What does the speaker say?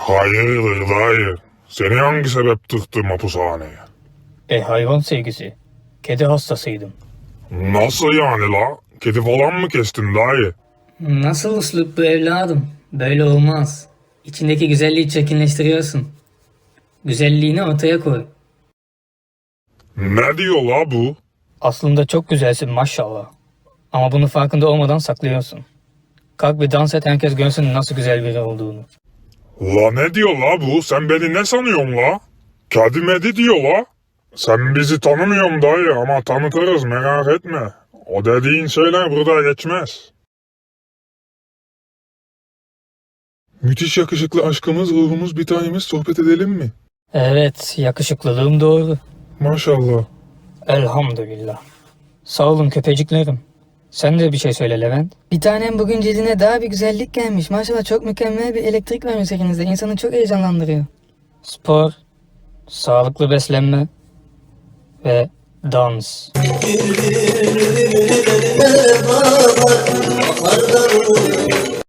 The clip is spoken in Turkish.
Hayırdır dayı? Seni hangi sebep tıktı mapushaneye? Hayvan sevgisi. Kedi hastasıydım. Nasıl yani la? Kedi falan mı kestin dayı? Nasıl uslup bu evladım? Böyle olmaz. İçindeki güzelliği çirkinleştiriyorsun. Güzelliğini ortaya koy. Ne diyor la bu? Aslında çok güzelsin maşallah. Ama bunu farkında olmadan saklıyorsun. Kalk bir dans et, herkes görsün nasıl güzel biri olduğunu. La ne diyor la bu? Sen beni ne sanıyorsun la? Kedi medi diyor la. Sen bizi tanımıyorsun dayı ama tanıtırız merak etme. O dediğin şeyler burada geçmez. Müthiş yakışıklı aşkımız, ruhumuz, bir tanemiz, sohbet edelim mi? Evet, yakışıklılığım doğru. Maşallah. Elhamdülillah. Sağ olun köpeciklerim. Sen de bir şey söyle Levent. Bir tanem bugün cildine daha bir güzellik gelmiş. Maşallah çok mükemmel bir elektrik var üzerinizde. İnsanı çok heyecanlandırıyor. Spor, sağlıklı beslenme ve dans.